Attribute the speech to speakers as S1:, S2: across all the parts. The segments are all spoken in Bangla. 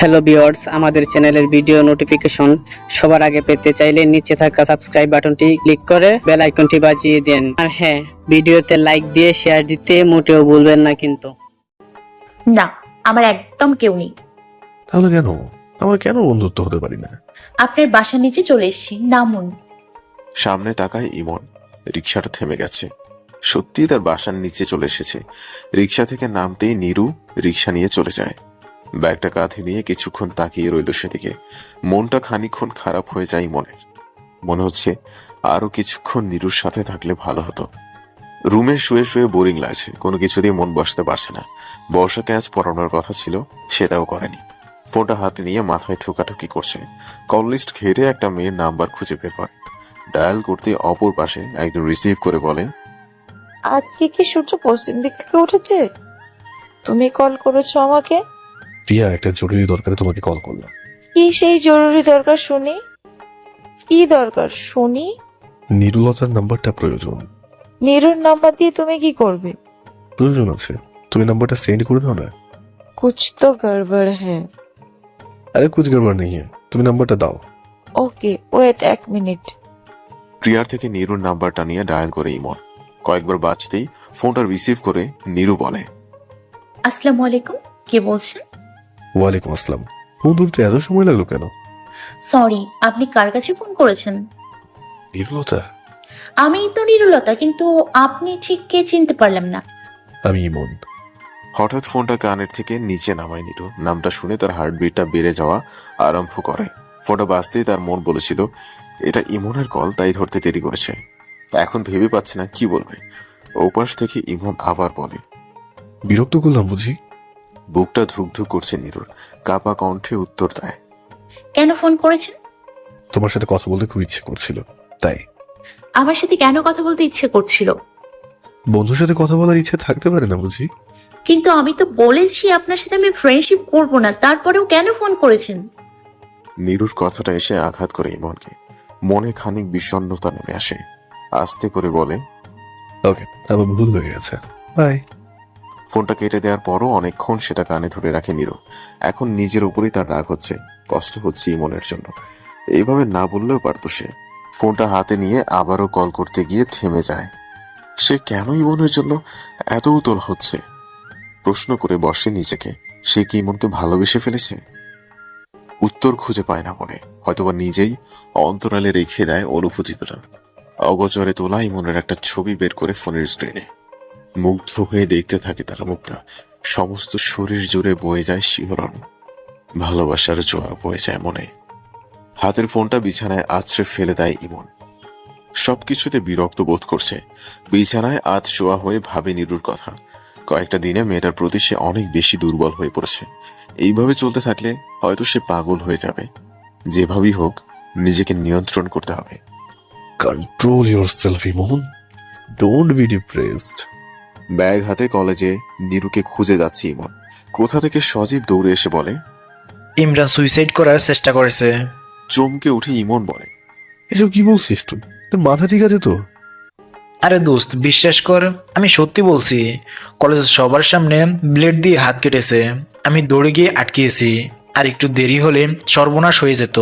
S1: হ্যালো ভিউয়ার্স, আমাদের চ্যানেলের ভিডিও নোটিফিকেশন সবার আগে পেতে চাইলে নিচে থাকা সাবস্ক্রাইব বাটনটি ক্লিক করে বেল আইকনটি বাজিয়ে দেন। আর হ্যাঁ, ভিডিওতে লাইক দিয়ে শেয়ার দিতে মোটেও ভুলবেন না কিন্তু।
S2: না, আমার একদম কেউ নেই।
S3: তাহলে কেন আমরা বন্ধুত্ব হতে পারি না?
S2: আপনার বাসার নিচে চলে এসেছি, নামুন।
S4: সামনে তাকায় ইমন। রিকশাটা থেমে গেছে। সত্যি তার বাসার নিচে চলে এসেছে। রিকশা থেকে নামতেই নীরু রিকশা নিয়ে চলে যায়। ব্যাগটা কাঁধে নিয়ে কিছুক্ষণ তাকিয়ে রইল সেদিকে। মনটা খানিকক্ষণ খারাপ হয়ে যায় ইমনের। মনে হচ্ছে আরো কিছুক্ষণ নীরুর সাথে থাকলে ভালো হতো। রুমে শুয়ে শুয়ে বোরিং লাগছে, কোনো কিছু দিয়ে মন বসতে পারছে না। বর্ষাকে আজ পড়ানোর কথা ছিল, সেটাও করেনি। ফোনটা হাতে নিয়ে মাথায় ঠুকাঠুকি করছে। কল লিস্ট ঘেটে একটা মেয়ের নাম্বার খুঁজে বের করে। ডায়াল করতে অপর পাশে একজন রিসিভ করে বলে,
S5: আজকে কি সূর্য পশ্চিম দিক থেকে উঠেছে? তুমি কল করেছো আমাকে?
S3: প্রিয়া, একটা জরুরি দরকারে তোমাকে কল করলাম।
S5: কি সেই জরুরি দরকার শুনি? কি দরকার শুনি?
S3: নিরুলতার নাম্বারটা প্রয়োজন।
S5: নীরুর নাম্বার দিয়ে তুমি কি করবে?
S3: প্রয়োজন আছে, তুমি নাম্বারটা সেন্ড করে দাও না।
S5: কুছ তো গড়বড় হ্যাঁ।
S3: আরে কুছ গড়বড় নেই, তুমি নাম্বারটা দাও।
S5: Okay wait 1 minute.
S4: প্রিয়ার থেকে নীরুর নাম্বারটা নিয়ে ডায়াল করে ইমন। কয়েকবার বাজতেই ফোনটা রিসিভ করে নীরু বলে,
S2: আসসালামু আলাইকুম, কে বলছেন?
S3: ওয়ালাইকুম আসসালাম। ফোন তুলতে এত সময় লাগলো কেন?
S2: সরি, আপনি কার কাছে ফোন করেছেন?
S3: নিরুলতা?
S2: আমি তো নিরুলতা, কিন্তু আপনি ঠিক কে চিনতে পারলাম না।
S3: আমি ইমন।
S4: হঠাৎ ফোনটা কানের থেকে নিচে নামায় নীরু। নামটা শুনে তার হার্টবিটটা বেড়ে যাওয়া আরম্ভ করে। ফোনটা বাজতেই তার মন বলেছিল এটা ইমনের কল, তাই ধরতে দেরি করেছে। এখন ভেবে পাচ্ছে না কি বলবে। ওপাশ থেকে ইমন আবার বলে,
S3: বিরক্ত করলাম বুঝি?
S4: বুকটা ধুকধুক করছে নীরুর। কাপা কণ্ঠে উত্তর দেয়,
S2: কেন ফোন করেছেন?
S3: তোমার সাথে কথা বলতে খুব ইচ্ছে করছিল, তাই।
S2: আমার সাথে কেন কথা বলতে ইচ্ছে করছিল?
S3: বন্ধুর সাথে কথা বলার ইচ্ছে থাকতে পারে না বুঝি?
S2: কিন্তু আমি তো বলেছি আপনার সাথে আমি ফ্রেন্ডশিপ করব না, তারপরেও কেন ফোন করেছেন?
S4: নীরুর কথাটা এসে আঘাত করে ইমনকে। মনে খানিক বিষণ্ণতা নেমে আসে। আস্তে করে বলে,
S3: ওকে, আমার ভুল হয়ে গেছে, বাই।
S4: ফোনটা কেটে দেওয়ার পরও অনেকক্ষণ সেটা কানে ধরে রাখে নীরু। এখন নিজের উপরেই তার রাগ হচ্ছে, কষ্ট হচ্ছে ইমনের জন্য। এইভাবে না বললেও পারতো সে। ফোনটা হাতে নিয়ে আবারও কল করতে গিয়ে থেমে যায়। সে কেন ইমনের জন্য এত উতল হচ্ছে? প্রশ্ন করে বসে নিজেকে, সে কি ইমনকে ভালোবেসে ফেলেছে? উত্তর খুঁজে পায় না মনে, হয়তোবা নিজেই অন্তরালে রেখে দেয় অনুভূতিগুলো। অগোচরে তোলা ইমনের একটা ছবি বের করে ফোনের স্ক্রিনে। মুগ্ধ হয়ে দেখতে থাকে তার মুখটা। সমস্ত শরীর জুড়ে বয়ে যায় শিহরণ। ভালোবাসার জোয়ার বয়ে যায় মনে। হাতের ফোনটা বিছানায় আছড়ে ফেলে দেয় ইমন। সবকিছুতে বিরক্ত বোধ করছে। বিছানায় আধশোয়া হয়ে ভাবে নীরুর কথা। কয়েকটা দিনে মেয়েটার প্রতি সে অনেক বেশি দুর্বল হয়ে পড়েছে। এইভাবে চলতে থাকলে হয়তো সে পাগল হয়ে যাবে। যেভাবেই হোক নিজেকে নিয়ন্ত্রণ করতে হবে।
S3: Control yourself Emon, don't be depressed.
S4: Bag হাতে কলেজে নীরুকে খুঁজে যাচ্ছে ইমন। কোথা থেকে সজীব দৌড়ে এসে বলে,
S6: ইমরান সুইসাইড করার চেষ্টা করেছে।
S4: চমকে উঠে ইমন বলে,
S3: এসব কি বলছিস তুই? তোর মাথা ঠিক আছে তো?
S6: আরে দোস্ত, বিশ্বাস কর, আমি সত্যি বলছি। কলেজের সবার সামনে ব্লেড দিয়ে হাত কেটেছে। আমি দৌড়ে গিয়ে আটকিয়েছি, আর একটু দেরি হলে সর্বনাশ হয়ে যেত।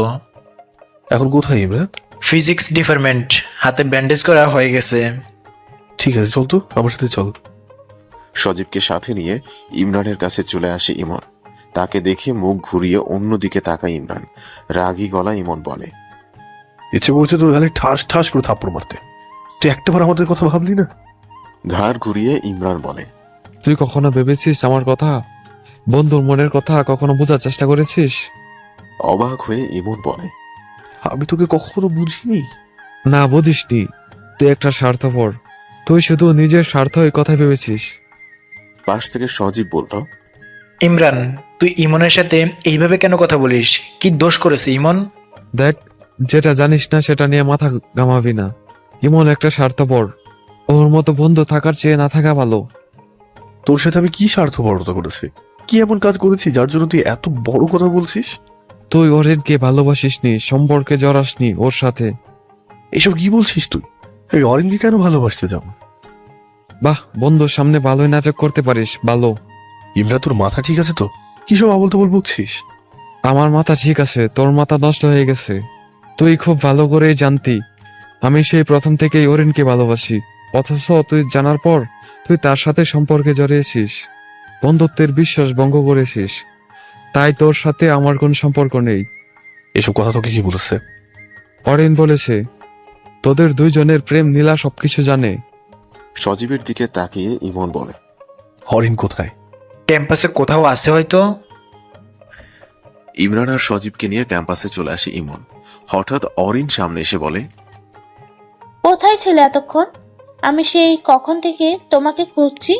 S3: এখন কোথায় ইমরান?
S6: ফিজিক্স ডিপার্টমেন্ট, হাতে ব্যান্ডেজ করা হয়ে গেছে।
S3: ঠিক আছে, চল তো আমার সাথে চল।
S4: সজীবকে সাথে নিয়ে ইমরানের কাছে চলে আসে ইমন। তাকে দেখে মুখ ঘুরিয়ে অন্যদিকে তাকায় ইমরান। রাগী গলা ইমন বলে,
S3: ইচ্ছে করছে তোর গালে ঠাস ঠাস করে থাপ্পড় মারতে। তুই একটাবার আমাদের কথা ভাবলি না?
S4: ঘাড় ঘুরিয়ে ইমরান বলে,
S7: তুই কখনো ভেবেছিস আমার কথা? বন্ধুর মনের কথা কখনো বোঝার চেষ্টা করেছিস?
S4: অবাক হয়ে ইমন বলে,
S3: আমি তোকে কখনো বুঝিনি।
S7: না, বুঝিসনি। তুই একটা স্বার্থপর। তুই শুধু নিজের স্বার্থ এই কথা ভেবেছিস।
S4: পাশ থেকে সজীব বলল,
S6: ইমরান, তুই ইমনের সাথে এইভাবে কেন কথা বলিস? কি দোষ করেছে ইমন?
S7: দেখ, যেটা জানিস না সেটা নিয়ে মাথা ঘামাবি না। ইমন একটা স্বার্থপর। ওর মতো বন্ধু থাকার চেয়ে না থাকা ভালো।
S3: তোর সাথে আমি কি স্বার্থপরতা করেছি? কি এমন কাজ করেছি যার জন্য তুই এত বড় কথা বলছিস?
S7: তুই অরিনকে ভালোবাসিসনি, সম্পর্কে জড়াসনি ওর সাথে।
S3: এসব কি বলছিস তুই? আমি অরিনকে কেন ভালোবাসতে যাব?
S7: বাহ, বন্ধুর সামনে ভালোই নাটক করতে পারিস, ভালো।
S3: ইমরা, তোর মাথা ঠিক আছে তো? কি সব আবল তাবল বকছিস?
S7: আমার মাথা ঠিক আছে, তোর মাথা নষ্ট হয়ে গেছে। তুই খুব ভালো করেই জানতি আমি সেই প্রথম থেকেই অরিনকে ভালোবাসি, অথচ তুই জানার পর তুই তার সাথে সম্পর্কে জড়িয়েছিস, বন্ধুত্বের বিশ্বাস ভঙ্গ করেছিস। তাই তোর সাথে আমার কোনো সম্পর্ক নেই।
S3: এসব কথা তোকে কি বলেছে?
S7: অরিন বলেছে তোদের দুইজনের প্রেম নীলা সবকিছু জানে।
S4: সজীবের দিকে তাকিয়ে ইমন বলে,
S3: হরিণ কোথায়?
S6: ক্যাম্পাসে কোথাও আছে হয়তো।
S4: ইমরান আর সজীবকে নিয়ে ক্যাম্পাসে চলে আসে ইমন। হঠাৎ অরিন সামনে এসে বলে,
S8: কোথায় ছিলে এতক্ষণ? আমি সেই কখন থেকে তোমাকে খুঁজছি।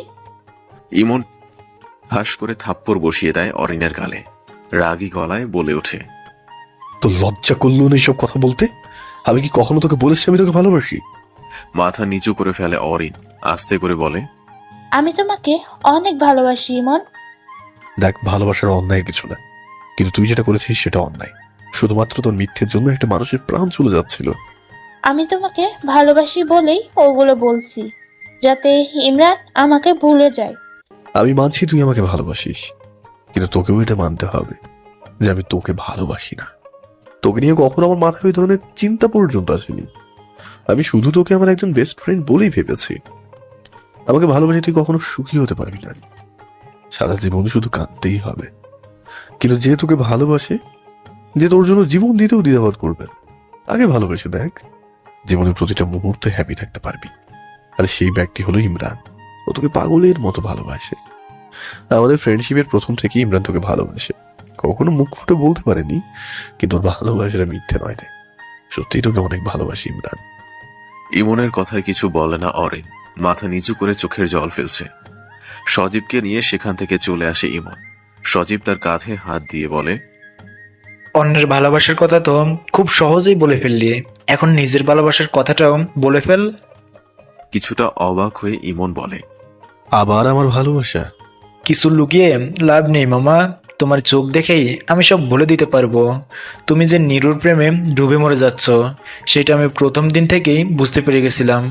S4: ইমন হাস করে থাপ্পড় বসিয়ে দেয় অরিনের গালে। রাগী গলায় বলে ওঠে,
S3: তো লজ্জা করলো না এইসব কথা বলতে? আমি কি কখনো তোকে বলেছি আমি তোকে ভালোবাসি?
S4: মাথা নিচু করে ফেলে অরিন। আস্তে করে বলে,
S8: আমি তোমাকে অনেক ভালোবাসি ইমন।
S3: দেখ, ভালোবাসার অন্যায় কিছু না, কিন্তু তুই যেটা করেছিস সেটা অন্যায়। শুধুমাত্র তোর মিথ্যের জন্য একটা মানুষের প্রাণ চলে যাচ্ছিল।
S8: আমি তোমাকে ভালোবাসি বলেই ওগুলো বলছি, যাতে ইমরান আমাকে ভুলে যায়।
S3: আমি মানছি তুই আমাকে ভালোবাসিস, কিন্তু তোকেও এটা মানতে হবে যে আমি তোকে ভালোবাসি না। তোকে নিয়ে কখনো আমার মাথায় ওই ধরনের চিন্তা পর্যন্ত আসেনি। আমি শুধু তোকে আমার একজন বেস্ট ফ্রেন্ড বলেই ভেবেছি। আমাকে ভালোবাসি তুই কখনো সুখী হতে পারবি না, সারা জীবন শুধু কাঁদতেই হবে। কিন্তু যে তোকে ভালোবাসে, যে তোর জন্য জীবন দিতেও দ্বিধাবোধ করবে না, আগে ভালোবেসে দেখ, জীবনের প্রতিটা মুহূর্তে হ্যাপি থাকতে পারবি। আর সেই ব্যক্তি হলো ইমরান। ও তোকে পাগলের মতো ভালোবাসে। আমাদের ফ্রেন্ডশিপের প্রথম থেকে ইমরান তোকে ভালোবাসে। কখনো মুখ ফুটে বলতে পারেনি, কিন্তু ওর ভালোবাসাটা মিথ্যে নয় রে। সত্যিই তোকে অনেক ভালোবাসি ইমরান।
S4: ইমনের কথায় কিছু বলে না অরিন। মাথা নিচু করে চোখের জল ফেলছে। সজীবকে নিয়ে সেখান থেকে চলে আসে ইমন। সজীব তার কাঁধে হাত দিয়ে বলে,
S6: অন্যের ভালোবাসার কথা তো খুব সহজেই বলে ফেললি, এখন নিজের ভালোবাসার কথাটাও বলে ফেল।
S4: কিছুটা অবাক হয়ে ইমন বলে,
S3: আবার আমার ভালোবাসা?
S6: কিছু লুকিয়ে লাভ নেই মামা, তোমার চোখ দেখেই আমি সব বলে দিতে পারবো। তুমি যে নিরুর প্রেমে ডুবে মরে যাচ্ছ, সেটা আমি প্রথম দিন থেকেই বুঝতে পেরে গেছিলাম।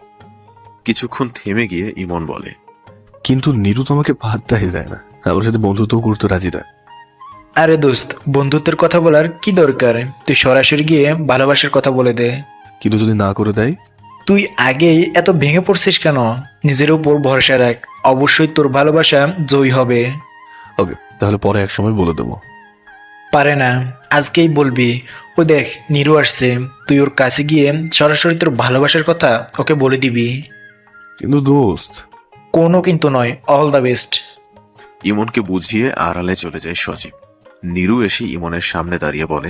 S4: কিছুক্ষণ থেমে গিয়ে ইমন বলে,
S3: কিন্তু নিরু তো আমাকে পাত্তাই দেয় না, আমার সাথে বন্ধুত্ব করতে রাজি না।
S6: আরে দোস্ত, বন্ধুত্বের কথা বলার কি দরকার? তুই সরাসরি গিয়ে ভালোবাসার কথা বলে দে।
S3: কিন্তু যদি না করে দেয়?
S6: তুই আগেই এত ভেঙে পড়ছিস কেন? নিজের উপর ভরসা রাখ, অবশ্যই তোর ভালোবাসা জয়ী হবে।
S3: ওকে, তাহলে পরে এক সময় বলে দেবো।
S6: পারে না, আজকেই বলবি। ও দেখ, নিরু আসছে, তুই ওর কাছে গিয়ে সরাসরি তোর ভালোবাসার কথা ওকে বলে দিবি।
S3: কিন্তু দোস্ত।
S6: কোনো কিন্তু নয়, অল দ্য বেস্ট।
S4: ইমনকে বুঝিয়ে আড়ালে চলে যায় সজীব। নিরু এসে ইমনের সামনে দাঁড়িয়ে বলে,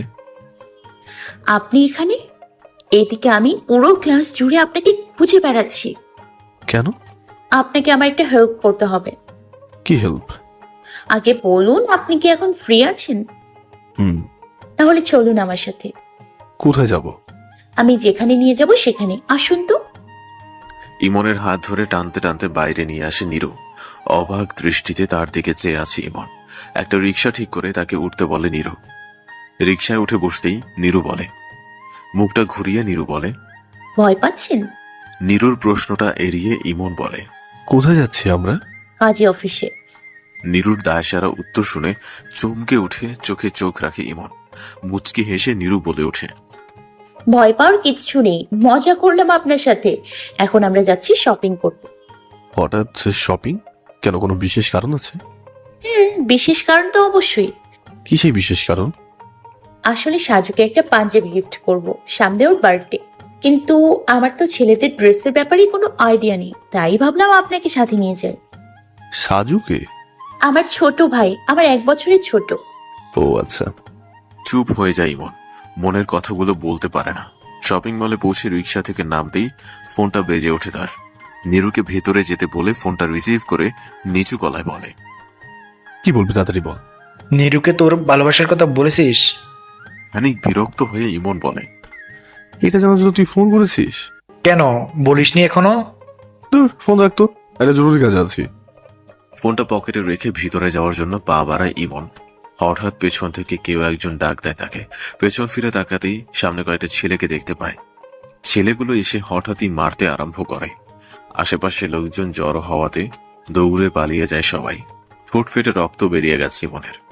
S2: আপনি এখানে? এদিকে আমি পুরো ক্লাস জুড়ে আপনাকে খুঁজে বেড়াচ্ছি।
S3: কেন?
S2: আপনাকে আমার একটা হেল্প করতে হবে।
S3: কি হেল্প?
S2: আগে বলুন, আপনি কি এখন ফ্রি আছেন?
S3: হুম।
S2: তাহলে চলুন আমার সাথে।
S3: কোথায় যাব?
S2: আমি যেখানে নিয়ে যাব সেখানে আসুন তো।
S4: ইমনের হাত ধরে টানতে টানতে বাইরে নিয়ে আসে নিরু। অবাক দৃষ্টিতে তার দিকে চেয়ে আছে ইমন। একটা রিক্সা ঠিক করে তাকে উঠতে বলে নিরু। রিক্সায় উঠে বসতেই নিরু বলে, মুখটা ঘুরিয়ে নিরু বলে,
S2: ভয় পাচ্ছেন?
S4: নিরুর প্রশ্নটা এড়িয়ে ইমন বলে,
S3: কোথায় যাচ্ছি আমরা?
S2: কাজী অফিসে।
S4: নিরুর দায়সারা উত্তর শুনে চমকে উঠে চোখে চোখ রাখে ইমন। মুচকি হেসে নিরু বলে ওঠে,
S2: ভয় পাওয়ার কিচ্ছু নেই, মজা করলাম আপনার সাথে। এখন আমরা যাচ্ছি শপিং করতে।
S3: হঠাৎ শপিং? কেন, কোনো বিশেষ কারণ আছে?
S2: বিশেষ কারণ তো অবশ্যই।
S3: কি সেই বিশেষ কারণ?
S2: আসলে সাজুকে একটা পাঞ্জাবি গিফট করব, সামনে ওর বার্থডে। কিন্তু আমার তো ছেলেদের ড্রেসের ব্যাপারে কোনো আইডিয়া নেই, তাই ভাবলাম আপনাকে সাথে নিয়ে যাই।
S3: সাজুকে?
S2: আমার ছোট ভাই, আমার 1 বছরের ছোট।
S3: ও আচ্ছা।
S4: চুপ হয়ে যায় ইমন। মনের কথাগুলো বলতে পারে না। শপিং মলে পৌঁছে রিক্সা থেকে নামতেই ফোনটা বেজে ওঠে তার। নিরুকে ভেতরে যেতে বলে ফোনটা রিসিভ করে নিচু গলায় বলে,
S3: কি বলবি তাড়াতাড়ি বল।
S6: নিরুকে তোর ভালোবাসার কথা বলেছিস?
S4: খানিক বিরক্ত হয়ে ইমন বলে,
S3: এটা জানার জন্য তুই ফোন করেছিস?
S6: কেন বলিসনি এখনো?
S3: তোর ফোন রাখতো, একটা জরুরি কাজ আছি।
S4: ফোনটা পকেটে রেখে ভিতরে যাওয়ার জন্য পা বাড়ায় ইমন। হঠাৎ পেছন থেকে কেউ একজন ডাক দেয় তাকে। পেছন ফিরে তাকাতেই সামনে কয়েকটা ছেলেকে দেখতে পায়। ছেলেগুলো এসে হঠাৎই মারতে আরম্ভ করে। আশেপাশে লোকজন জড়ো হওয়াতে দৌড়ে পালিয়ে যায় সবাই। ফুট ফেটে রক্ত বেরিয়ে গেছে ইমনের।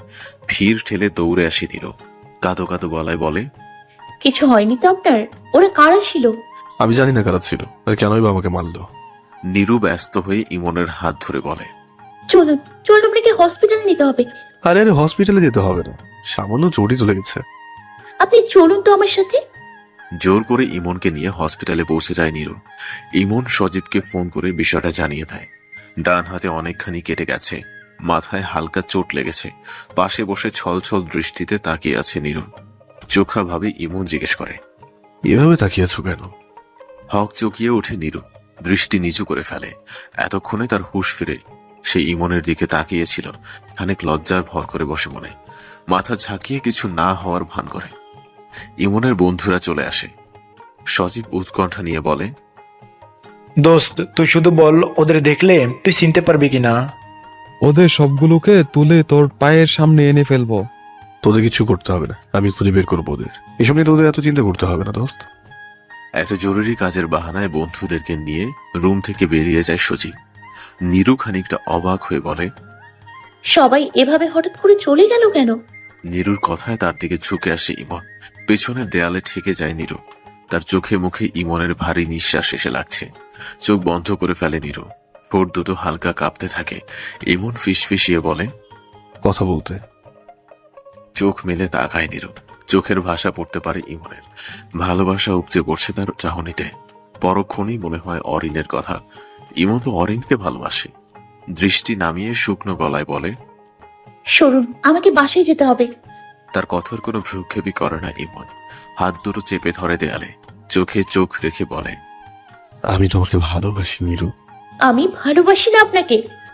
S4: ভিড় ঠেলে দৌড়ে আসে নিরু। কাঁদো কাঁদো গলায় বলে,
S2: কিছু হয়নি তো আপনার? ওরা কারা ছিল?
S3: আমি জানি না কারা ছিল আর কেনই বা আমাকে মারলো।
S4: নিরু ব্যস্ত হয়ে ইমনের হাত ধরে বলে,
S2: চলুন চলুন, আপনাকে হসপিটাল নিতে হবে।
S3: আরে আরে হসপিটালে যেতে হবে না, সামান্য চোটই তো লেগেছে।
S2: আপনি চলুন তো আমার সাথে।
S4: জোর করে ইমনকে নিয়ে হসপিটালে পৌঁছে যায় নিরু। ইমন সজীবকে ফোন করে বিষয়টা জানিয়ে দেয়। ডান হাতে অনেকখানি কেটে গেছে, মাথায় হালকা চোট লেগেছে। পাশে বসে ছলছল দৃষ্টিতে তাকিয়ে আছে নিরু। চোখা ভাবে ইমন জিজ্ঞেস করে,
S3: এভাবে তাকিয়েছো কেন?
S4: হক চকিয়ে ওঠে নিরু, দৃষ্টি নিচু করে ফেলে। এতক্ষণে তার হুঁশ ফিরে সে ইমনের দিকে তাকিয়েছিল। খানিক লজ্জার ভর করে বসে মনে, মাথা ঝাঁকিয়ে কিছু না হওয়ার ভান করে। ইমনের বন্ধুরা চলে আসে। সজীব উৎকণ্ঠা নিয়ে বলে,
S6: দোস্ত তুই শুধু বল, ওদের দেখলে তুই চিনতে পারবি কিনা?
S7: ওদের সবগুলোকে তুলে তোর পায়ের সামনে এনে ফেলবো।
S3: তোদের কিছু করতে হবে না, আমি খুঁজে বের করবো ওদের। এসব নিয়ে তোদের এত চিন্তা করতে হবে না দোস্ত।
S4: একটা জরুরি কাজের বাহানায় বন্ধুদেরকে নিয়ে রুম থেকে বেরিয়ে যায় সজীব। নিরু খানিকটা অবাক হয়ে বলে,
S2: সবাই এভাবে হঠাৎ করে চলে গেল কেন?
S4: নিরুর কথায় তার দিকে ঝুঁকে আসে ইমন। পেছনের দেয়ালে ঠেকে যায় নিরু। তার চোখে মুখে ইমনের ভারী নিঃশ্বাস এসে লাগছে। চোখ বন্ধ করে ফেলে নিরু। ঠোঁট দুটো হালকা কাঁপতে থাকে। ইমন ফিসফিসিয়ে বলে,
S3: কথা বলতে।
S4: চোখ মেলে তাকায় নিরু। চোখের ভাষা পড়তে পারে ইমনের। ভালোবাসা উপচে পড়ছে তার চাহনিতে। পরক্ষণেই মনে হয় অরিনের কথা। ইমন তো অরিনকে ভালোবাসে। দৃষ্টি নামিয়ে শুকনো গলায় বলে,
S2: সরুন, আমাকে বাসায় যেতে হবে।
S4: তার কথার কোনো ভ্রুক্ষেপই করে না ইমন। হাত দুটো চেপে ধরে দেয়ালে, চোখে চোখ রেখে বলে,
S3: আমি তোমাকে ভালোবাসি নিরু।
S2: আমি ভালোবাসি না আপনাকে।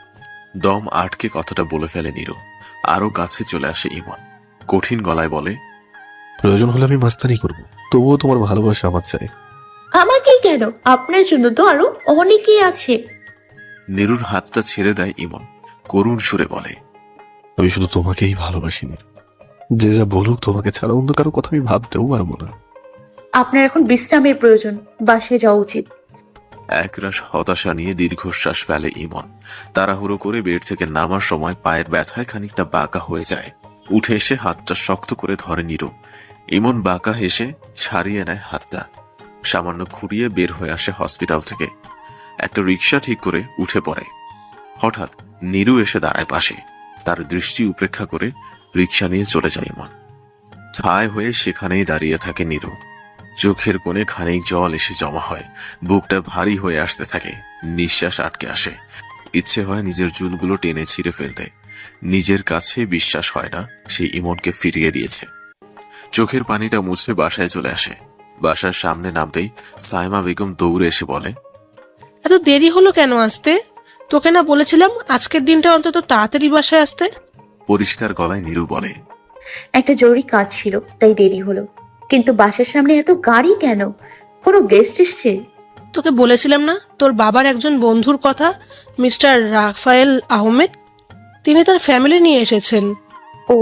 S4: দম আটকে কথাটা বলে ফেলে নিরু। আরো কাছে চলে আসে ইমন, কঠিন গলায় বলে,
S3: প্রয়োজন হলে আমি মাস্তানি করব, তবুও তোমার ভালোবাসা আমার চাই।
S2: আমাকে কেন? আপনার জন্য তো আরো অনেকেই আছে।
S4: নিরুর হাতটা ছেড়ে দেয় ইমন, করুণ সুরে বলে,
S3: আমি শুধু তোমাকেই ভালোবাসি নিরু। যে যা বলুক, তোমাকে ছাড়া অন্য কারো কথা আমি ভাবতেও পারবো না।
S2: আপনার এখন বিশ্রামের প্রয়োজন, বাসায় যাওয়া উচিত।
S4: একরাশ হতাশা নিয়ে দীর্ঘশ্বাস ফেলে ইমন। তাড়াহুড়ো করে বেড থেকে নামার সময় পায়ের ব্যথায় খানিকটা বাঁকা হয়ে যায়। উঠে এসে হাতটা শক্ত করে ধরে নিরু। ইমন বাঁকা হেসে ছাড়িয়ে নেয় হাতটা। সামান্য খুঁড়িয়ে বের হয়ে আসে হসপিটাল থেকে। একটা রিক্সা ঠিক করে উঠে পড়ে। হঠাৎ নিরু এসে দাঁড়ায় পাশে। তার দৃষ্টি উপেক্ষা করে রিক্সা নিয়ে চলে যায় ইমন। ছায় হয়ে সেখানেই দাঁড়িয়ে থাকে নিরু। চোখের কোণে খানিক জল এসে জমা হয়। বুকটা ভারী হয়ে আসতে থাকে। নিঃশ্বাস আটকে আসে। ইচ্ছে হয় নিজের চুলগুলো টেনে ছিঁড়ে ফেলতে। নিজের কাছে বিশ্বাস হয় না সেই ইমনকে ফিরিয়ে দিয়েছে। চোখের পানিটা মুছে বাসায় চলে আসে। বাসার সামনে নামতেই সাইমা বেগম দৌড়ে এসে বলে,
S9: এত দেরি হলো কেন আসতে? তোকে না বলেছিলাম আজকের দিনটা অন্তত তাড়াতাড়ি বাসায় আসতে?
S4: পরিষ্কার গলায় নিরু বলে,
S2: একটা জরুরি কাজ ছিল তাই দেরি হলো, কিন্তু বাসার সামনে এত গাড়ি কেন? কোনো গেস্ট এসছে?
S9: তোকে বলেছিলাম না তোর বাবার একজন বন্ধুর কথা, মিস্টার রাফায়েল আহমেদ। তিনি তার ফ্যামিলি নিয়ে এসেছেন।
S2: ও,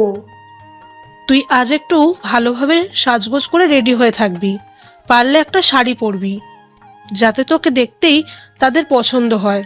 S9: তুই আজ একটু ভালোভাবে সাজগোজ করে রেডি হয়ে থাকবি। পারলে একটা শাড়ি পরবি, যাতে তোকে দেখতেই তাদের পছন্দ হয়।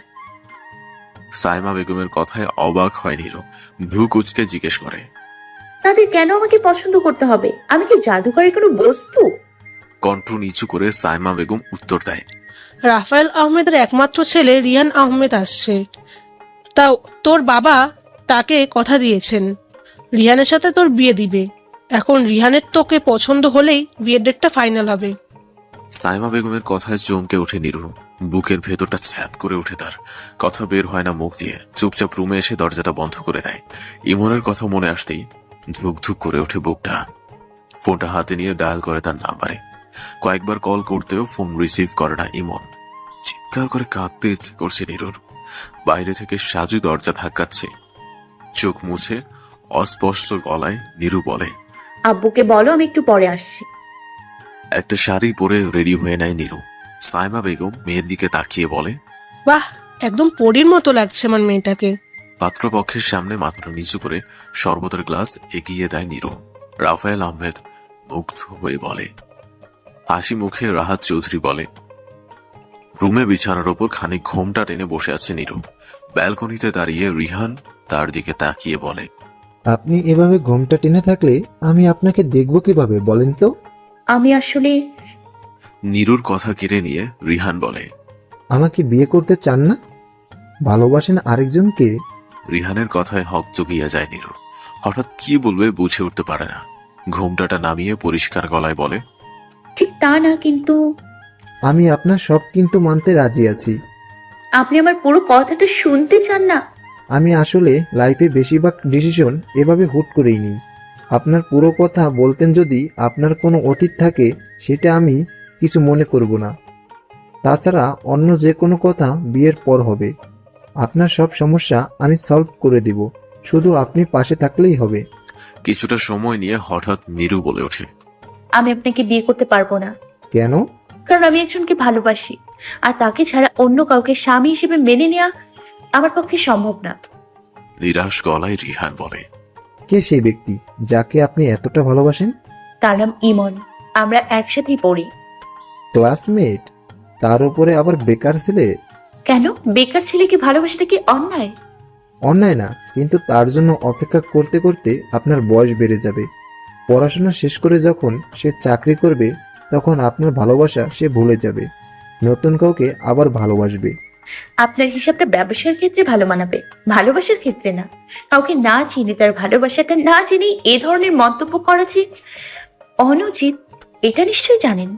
S4: সাইমা বেগমের কথায় অবাক হয় নিরু। ভ্রু কুচকে জিজ্ঞেস করে,
S2: তাদের কেন আমাকে পছন্দ করতে হবে? আমি কি জাদুঘরের কোনো বস্তু?
S4: কণ্ঠ নিচু করে সাইমা বেগম উত্তর দেয়,
S9: রাফায়েল আহমেদের একমাত্র ছেলে রিয়ান আহমেদ আসছে। তাও তোর বাবা তাকে কথা দিয়েছেন রিহানের সাথে তোর বিয়ে দিবে। এখন রিহানের তোকে পছন্দ হলেই বিয়ের ডেটটা ফাইনাল হবে।
S4: সাইমা বেগমের কথায় চমকে ওঠে নিরু। বুকের ভেতরটা ছ্যাদ করে ওঠে তার। কথা বের হয় না মুখ দিয়ে। চুপচাপ রুমে এসে দরজাটা বন্ধ করে দেয়। ইমনের কথা মনে আসতেই ধুক ধুক করে ওঠে বুকটা। ফোনটা হাতে নিয়ে ডায়াল করে তার নাম্বারে। কয়েকবার কল করতেও ফোন রিসিভ করে না ইমন। চিৎকার করে কাঁদতে ইচ্ছে করছে নিরুর। বাইরে থেকে সাজু দরজা ধাক্কাচ্ছে। চোখ মুছে অস্পষ্ট গলায় নিরু বলে,
S2: আব্বুকে বলো আমি একটু পরে আসছি।
S4: একটা শাড়ি পরে রেডি হয়ে নেয় নিরু। সাইমা বেগম মেয়ের দিকে তাকিয়ে বলে,
S9: বাহ, একদম পরীর মতো লাগছে আমার মেয়েটাকে।
S4: পাত্রপক্ষের সামনে মাথাটা নিচু করে শরবতের গ্লাস এগিয়ে দেয় নিরু। রাফায়েল আহমেদ মুগ্ধ হয়ে বলে, হাসি মুখে রাহাত চৌধুরী বলে, রুমে বিছানার ওপর খানিক ঘোমটা টেনে বসে আছে নিরু। ব্যালকনিতে দাঁড়িয়ে রিহান তার দিকে তাকিয়ে বলে,
S10: আপনি এভাবে ঘোমটা টেনে থাকলে আমি আপনাকে দেখব কিভাবে বলেন তো?
S2: আমি আসলে
S4: নীরুর কথা কেড়ে নিয়ে রিহান বলে।
S10: আমাকে বিয়ে করতে চান না? ভালোবাসেন আরেকজনকে?
S4: রিহানের কথায় হক চকিয়া যায় নীরু। হঠাৎ কি বলবে বুঝে উঠতে পারে না। ঘোমটাটা নামিয়ে পরিষ্কার গলায় বলে,
S2: ঠিক তা না, কিন্তু
S10: আমি আপনার সব কিন্তু মানতে রাজি আছি।
S2: আপনি আমার পুরো কথাটা শুনতে চান না।
S10: আমি আসলে লাইফে বেশিরভাগ ডিসিশন এভাবে হুট করেই নিই। আপনার পুরো কথা বলতেন যদি আপনার কোনো অতীত থাকে সেটা আমি কিছু মনে করব না। তাছাড়া অন্য যে কোনো কথা বিয়ের পর হবে। আপনার সব সমস্যা আমি সলভ করে দেব, শুধু আপনি পাশে থাকলেই হবে।
S4: কিছুটা সময় নিয়ে হঠাৎ নীরু বলে ওঠে,
S2: আমি আপনাকে বিয়ে করতে পারবো না,
S10: কেন?
S2: কারণ আমি একজনকে ভালোবাসি, আর তাকে ছাড়া অন্য কাউকে স্বামী হিসেবে মেনে নেওয়া আমার পক্ষে সম্ভব না।
S4: নিরাশ গলায় রিহান বলে,
S10: কে সেই ব্যক্তি যাকে আপনি এতটা ভালোবাসেন?
S2: তার নাম ইমন, আমরা একসাথেই পড়ি।
S10: ক্লাসমেট, তার উপরে আবার বেকার ছেলে।
S2: কেন, বেকার ছেলেকে ভালোবাসাটা কি অন্যায়?
S10: অন্যায় না, কিন্তু তার জন্য অপেক্ষা করতে করতে আপনার বয়স বেড়ে যাবে। পড়াশোনা শেষ করে যখন সে চাকরি করবে তখন আপনার ভালোবাসা সে ভুলে যাবে, নতুন কাউকে আবার ভালোবাসবে।
S2: আপনার হিসাবটা ব্যবসার ক্ষেত্রে ভালো মানাবে, ভালোবাসার ক্ষেত্রে না। কাউকে না চিনে তার ভালোবাসাটা না জেনেই এ ধরনের মন্তব্য করা যে অনুচিত, এটা নিশ্চয়ই জানেন।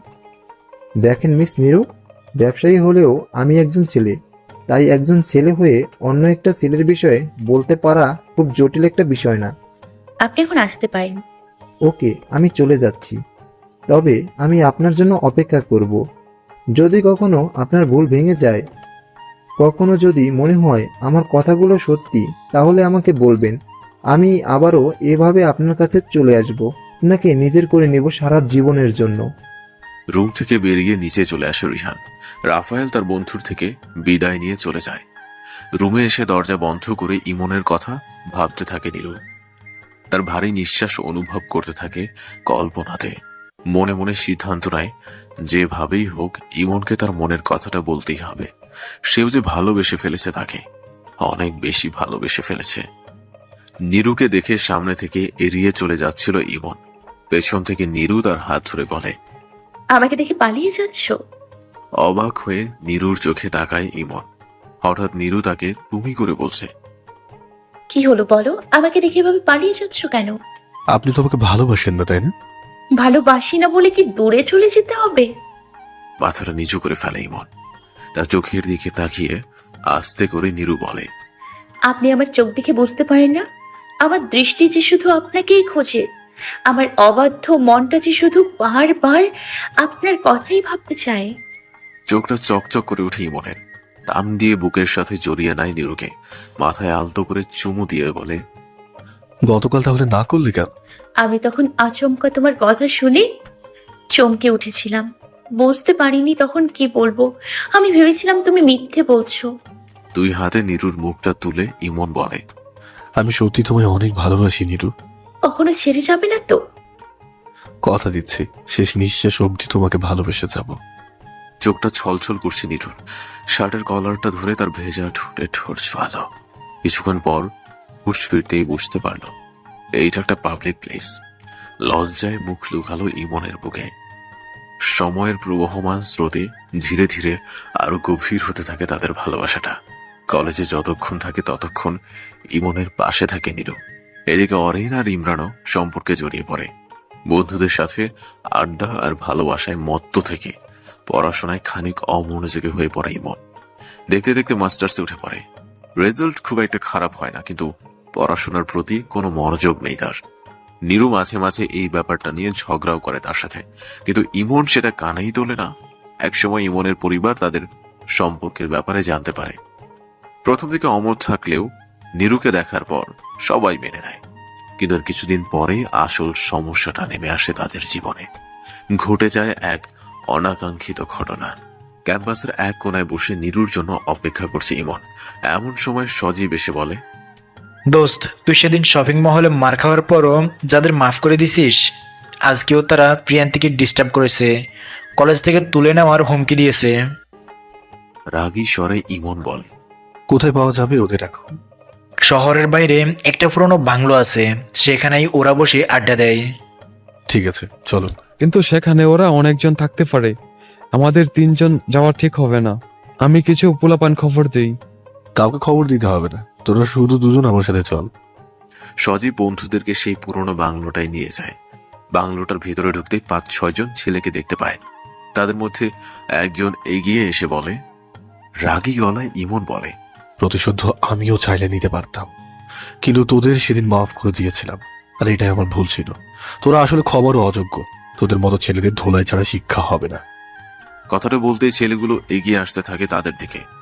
S10: দেখেন মিস নীরু, ব্যবসায়ী হলেও আমি একজন ছেলে, তাই একজন ছেলে হয়ে অন্য একটা ছেলের বিষয়ে বলতে পারা খুব জটিল একটা বিষয় না।
S2: আপনি এখন আসতে পারেন।
S10: ওকে, আমি চলে যাচ্ছি, তবে আমি আপনার জন্য অপেক্ষা করব। যদি কখনো আপনার ভুল ভেঙে যায়, কখনো যদি মনে হয় আমার কথাগুলো সত্যি, তাহলে আমাকে বলবেন। আমি আবারও এভাবে আপনার কাছে চলে আসব, আপনাকে নিজের করে নেব সারা জীবনের জন্য।
S4: রুম থেকে বেরিয়ে নিচে চলে আসে রিহান। রাফায়েল তার বন্ধুর থেকে বিদায় নিয়ে চলে যায়। রুমে এসে দরজা বন্ধ করে ইমনের কথা ভাবতে থাকে নীরু। তার ভারী নিঃশ্বাস অনুভব করতে থাকে কল্পনাতে। মনে মনে সিদ্ধান্ত নেয় যেভাবেই হোক ইমনকে তার মনের কথাটা বলতেই হবে। সেও যে ভালোবেসে ফেলেছে, তাকে অনেক বেশি ভালোবেসে ফেলেছে। নীরুকে দেখে সামনে থেকে এড়িয়ে চলে যাচ্ছিল ইমন। পেছন থেকে নীরু তার হাত ধরে বলে,
S2: আমাকে দেখে পালিয়ে যাচ্ছ?
S4: অবাক হয়ে নীরুর চোখে তাকায় ইমন। হঠাৎ নীরু তাকে তুমি করে বলছে।
S2: কি হলো বলো, আমাকে দেখে এভাবে পালিয়ে যাচ্ছ কেন?
S3: আপনি তো আমাকে ভালোবাসেন না, তাই না?
S2: ভালোবাসি না বলে কি দূরে চলে যেতে হবে?
S4: মাথাটা নিচু করে ফেলে ইমন। তার চোখের দিকে তাকিয়ে আস্তে করে নীরু বলে,
S2: আপনি আমার চোখ দেখে বুঝতে পারেন না? আমার দৃষ্টি যে শুধু আপনাকেই খোঁজে, আমার অবাধ্য মনটা যে শুধু বারবার আপনার কথাই ভাবতে চায়।
S4: চোখটা চকচক করে উঠে ইমনের। টান দিয়ে বুকের সাথে জড়িয়ে নেয় নীরুকে। মাথায় আলতো করে চুমু দিয়ে বলে,
S3: গতকাল তাহলে না করলি কেন?
S2: আমি তখন আচমকা তোমার কথা শুনে চমকে উঠেছিলাম, বুঝতে পারিনি তখন কি বলবো। আমি ভেবেছিলাম তুমি মিথ্যে বলছো।
S4: দুই হাতে নীরুর মুখটা তুলে ইমন বলে,
S3: আমি সত্যি তোমায় অনেক ভালোবাসি নীরু।
S2: কখনো ছেড়ে যাবে না তো?
S3: কথা দিচ্ছি, শেষ নিঃশ্বাস অবধি তোমাকে ভালোবেসে যাব।
S4: চোখটা ছলছল করছে নীরুর। শার্টের কলারটা ধরে তার ভেজা ঠোঁটে ঠোঁট ছোঁয়ালো। কিছুক্ষণ পর হুঁশ ফিরতেই বুঝতে পারল এইটা একটা পাবলিক প্লেস। লজ্জায় মুখ লুকালো ইমনের বুকে। সময়ের প্রবহমান স্রোতে ধীরে ধীরে আরো গভীর হতে থাকে তাদের ভালোবাসাটা। কলেজে যতক্ষণ থাকে ততক্ষণ ইমনের পাশে থাকে নীরু। এদিকে অরিন আর ইমরানও সম্পর্কে জড়িয়ে পড়ে। বন্ধুদের সাথে আড্ডা আর ভালোবাসায় মত্ত থেকে পড়াশোনায় খানিক অমনোযোগী হয়ে পড়ে ইমন। দেখতে দেখতে মাস্টার্সে উঠে পড়ে। রেজাল্ট খুব একটা খারাপ হয় না, কিন্তু পড়াশোনার প্রতি কোনো মনোযোগ নেই তার। নীরু মাঝে মাঝে এই ব্যাপারটা নিয়ে ঝগড়াও করে তার সাথে, কিন্তু ইমন সেটা কানেই তোলে না। একসময় ইমনের পরিবার তাদের সম্পর্কের ব্যাপারে জানতে পারে। প্রথম দিকে অমত থাকলেও নীরুকে দেখার পর সবাই মেনে নেয়। কিন্তু আর কিছুদিন পরেই আসল সমস্যাটা নেমে আসে তাদের জীবনে। ঘটে যায় এক অনাকাঙ্ক্ষিত ঘটনা। ক্যাম্পাসের এক কোনায় বসে নীরুর জন্য অপেক্ষা করছে ইমন। এমন সময় সজীব এসে বলে,
S6: দোস্ত, তুই সেদিন শপিং মহলে মার খাওয়ার পরও যাদের মাফ করে দিছিস, আজকেও তারা প্রিয়ান্তিকে ডিস্টার্ব করেছে, কলেজ থেকে তুলে নেওয়ার হুমকি দিয়েছে।
S4: রাগী স্বরে ইমন বলে,
S3: কোথায় পাওয়া যাবে ওদের এখন?
S6: শহরের বাইরে একটা পুরনো বাংলো আছে, সেখানেই ওরা বসে আড্ডা দেয়।
S3: ঠিক আছে, চলো।
S7: কিন্তু সেখানে ওরা অনেকজন থাকতে পারে, আমাদের 3জন যাওয়া ঠিক হবে না। আমি কিছু পোলাপান খবর দেই।
S3: কাউকে খবর দিতে হবে না, তোরা শুধু দুজন আমার সাথে চল।
S4: সজীব বন্ধুদেরকে সেই পুরনো বাংলোটায় নিয়ে যায়। বাংলোটার ভিতরে ঢুকতেই 5-6 জন ছেলেকে দেখতে পায়। তাদের মধ্যে একজন এগিয়ে এসে বলে, রাগী গলায় ইমন বলে,
S3: প্রতিশোধ আমিও চাইলে নিতে পারতাম, কিন্তু তোদের সেদিন মাফ করে দিয়েছিলাম, আর এটাই আমার ভুল ছিল। তোরা আসলে খবরও অযোগ্য, তোদের মতো ছেলেদের ধোলাই ছাড়া শিক্ষা হবে না।
S4: কথাটা বলতেই ছেলেগুলো এগিয়ে আসতে থাকে তাদের দিকে।